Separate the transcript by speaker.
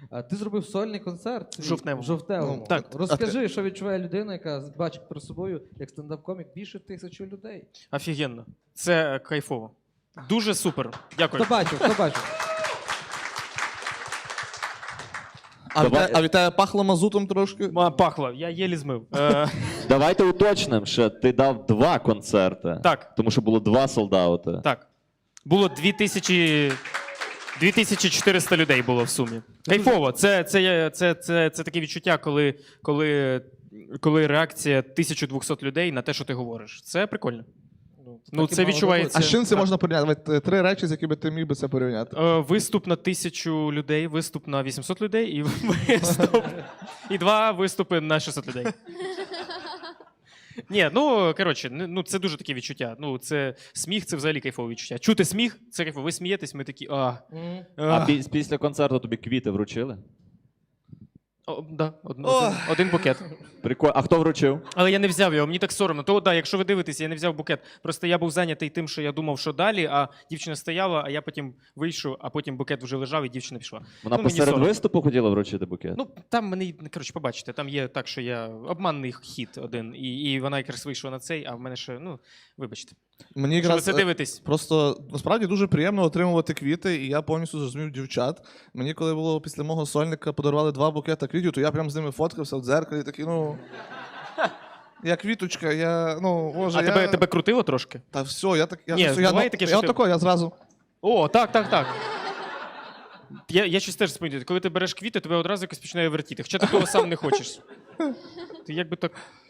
Speaker 1: Ти зробив сольний концерт
Speaker 2: В Жовтневому.
Speaker 1: в Жовтневому.
Speaker 2: Так.
Speaker 1: Розкажи, що відчуває людина, яка бачить перед собою, як стендап-комік, більше 1000 людей.
Speaker 2: Офігенно. Це кайфово. Дуже супер. Дякую.
Speaker 1: Хто бачив?
Speaker 3: А від тебе пахло мазутом трошки?
Speaker 2: Пахло, я єлі змив.
Speaker 4: Давайте уточнимо, що ти дав 2 концерти.
Speaker 2: Так.
Speaker 4: Тому що було 2 солдаути.
Speaker 2: Так. Було 2400 людей було в сумі. Кайфово. Це таке відчуття, коли реакція 1200 людей на те, що ти говориш. Це прикольно. Ну, це відчувається.
Speaker 3: А з чим це можна порівняти? 3 речі, з якими ти міг би це порівняти.
Speaker 2: Виступ на 1000 людей, виступ на 800 людей і 2 виступи на 600 людей. Ні, ну, коротше, ну, це дуже таке відчуття. Ну, це сміх, це взагалі кайфове відчуття. Чути сміх, це кайфово. Ви смієтесь, ми такі,
Speaker 4: А після концерту тобі квіти вручили?
Speaker 2: Да, один букет.
Speaker 4: Прикольно. А хто вручив?
Speaker 2: Але я не взяв його, мені так соромно. То, да, якщо ви дивитеся, я не взяв букет. Просто я був зайнятий тим, що я думав, що далі, а дівчина стояла, а я потім вийшов, а потім букет вже лежав, і дівчина пішла.
Speaker 4: Вона
Speaker 2: мені
Speaker 4: посеред
Speaker 2: соромно.
Speaker 4: виступу хотіла вручити букет?
Speaker 2: Ну, там мені, коротше, побачите, там є так, що я обманний хід один, і вона якраз вийшла на цей, а в мене ще, ну, вибачте.
Speaker 3: Мені
Speaker 2: Якщо ви
Speaker 3: якраз
Speaker 2: це дивитесь.
Speaker 3: просто насправді дуже приємно отримувати квіти, і я повністю зрозумів дівчат. Мені, коли було після мого сольника, подарували 2 букета квітів, то я прям з ними фоткався в дзеркалі, такий, ну. Я квіточка, може,
Speaker 2: А тебе крутило трошки?
Speaker 3: Та все, я
Speaker 2: буває таке, що
Speaker 3: я
Speaker 2: ти-
Speaker 3: отако, я зразу.
Speaker 2: О, так. Я щось теж спомню, коли ти береш квіти, тебе одразу якось починає вертіти, хоча ти того сам не хочеш. Ти якби так...